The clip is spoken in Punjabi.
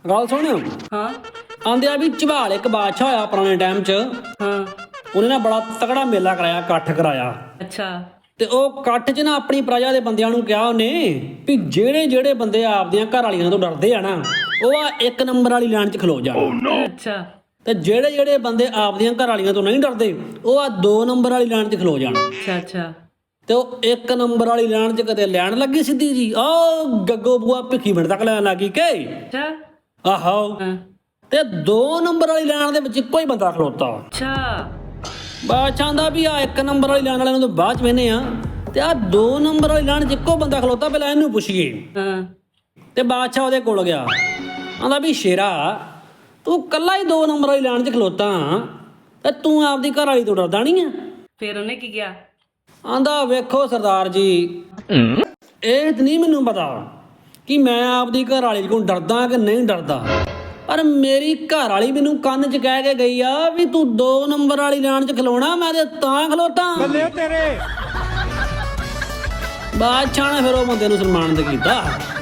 ਗੱਲ ਸੁਣ। ਹਾਂ ਆਂਦੇ ਆ ਵੀ ਝਬਾਲ ਇੱਕ ਬਾਦਸ਼ਾਹ ਹੋਇਆ ਪੁਰਾਣੇ ਟਾਈਮ 'ਚ। ਹਾਂ ਉਹਨੇ ਨਾ ਬੜਾ ਤਕੜਾ ਮੇਲਾ ਕਰਾਇਆ, ਇਕੱਠ ਕਰਾਇਆ। ਅੱਛਾ ਤੇ ਉਹ ਇਕੱਠ 'ਚ ਨਾ ਆਪਣੀ ਪ੍ਰਜਾ ਦੇ ਬੰਦਿਆਂ ਨੂੰ ਕਿਹਾ ਉਹਨੇ ਵੀ ਜਿਹੜੇ ਜਿਹੜੇ ਬੰਦੇ ਆਪਦੀਆਂ ਘਰ ਵਾਲੀਆਂ ਤੋਂ ਡਰਦੇ ਆ ਨਾ, ਉਹ ਆ 1 ਨੰਬਰ ਵਾਲੀ ਲਾਈਨ 'ਚ ਖਲੋ ਜਾਣ। ਅੱਛਾ ਤੇ ਜਿਹੜੇ ਜਿਹੜੇ ਬੰਦੇ ਆਪਦੀਆਂ ਘਰ ਵਾਲੀਆਂ ਤੋਂ ਨਹੀਂ ਡਰਦੇ, ਉਹ ਆ 2 ਨੰਬਰ ਵਾਲੀ ਲਾਈਨ 'ਚ ਖਲੋ ਜਾਣ। ਅੱਛਾ ਅੱਛਾ ਤੇ ਉਹ 1 ਨੰਬਰ ਵਾਲੀ ਲਾਈਨ 'ਚ ਕਦੇ ਲੈਣ ਲੱਗੀ ਸਿੱਧੀ ਜੀ, ਉਹ ਗੱਗੋ ਬੂਆ ਭਿੱਖੀ ਮਿੰਟ ਤੱਕ ਲੈਣ ਲੱਗੀ ਕਿ ਅੱਛਾ ਆਹੋ। ਹਾਂ ਤੇ 2 ਨੰਬਰ ਵਾਲੀ ਲਾਈਨ ਦੇ ਵਿੱਚ ਇੱਕੋ ਹੀ ਬੰਦਾ ਖਲੋਤਾ। ਅੱਛਾ ਬਾਦਸ਼ਾਹ ਦਾ ਵੀ ਆ 1 ਨੰਬਰ ਵਾਲੀ ਲਾਈਨ ਵਾਲਿਆਂ ਨੂੰ ਤਾਂ ਬਾਅਦ 'ਚ ਵੇਨੇ ਆ, ਤੇ ਆ 2 ਨੰਬਰ ਵਾਲੀ ਲਾਈਨ 'ਚ ਇੱਕੋ ਬੰਦਾ ਖਲੋਤਾ, ਪਹਿਲਾਂ ਇਹਨੂੰ ਪੁੱਛੀਏ। ਹਾਂ ਤੇ ਬਾਦਸ਼ਾਹ ਉਹਦੇ ਕੋਲ ਗਿਆ, ਆਂਦਾ ਵੀ ਸ਼ੇਰਾ ਤੂੰ ਕੱਲਾ ਹੀ 2 ਨੰਬਰ ਵਾਲੀ ਲਾਈਨ 'ਚ ਖਲੋਤਾ ਤੇ ਤੂੰ ਆਪਦੀ ਘਰ ਵਾਲੀ ਤੋਂ ਡਰਦਾ ਨਹੀਂ ਆ? ਫਿਰ ਉਹਨੇ ਕੀ ਕਿਹਾ? ਆਂਦਾ ਵੇਖੋ ਸਰਦਾਰ ਜੀ, ਇਹ ਨਹੀਂ ਮੈਨੂੰ ਪਤਾ ਕਿ ਮੈਂ ਆਪਦੀ ਘਰ ਵਾਲੀ ਕੋਲ ਡਰਦਾ ਕਿ ਨਹੀਂ ਡਰਦਾ, ਪਰ ਮੇਰੀ ਘਰ ਵਾਲੀ ਮੈਨੂੰ ਕੰਨ 'ਚ ਕਹਿ ਕੇ ਗਈ ਆ ਵੀ ਤੂੰ 2 ਨੰਬਰ ਵਾਲੀ ਲਾਈਨ 'ਚ ਖਲੋਣਾ, ਮੈਂ ਤੇ ਤਾਂ ਖਲੋਤਾ। ਬੱਲੇ ਤੇਰੇ। ਬਾਦਸ਼ਾਹ ਨੇ ਫਿਰ ਉਹ ਬੰਦੇ ਨੂੰ ਸਨਮਾਨਿਤ ਕੀਤਾ।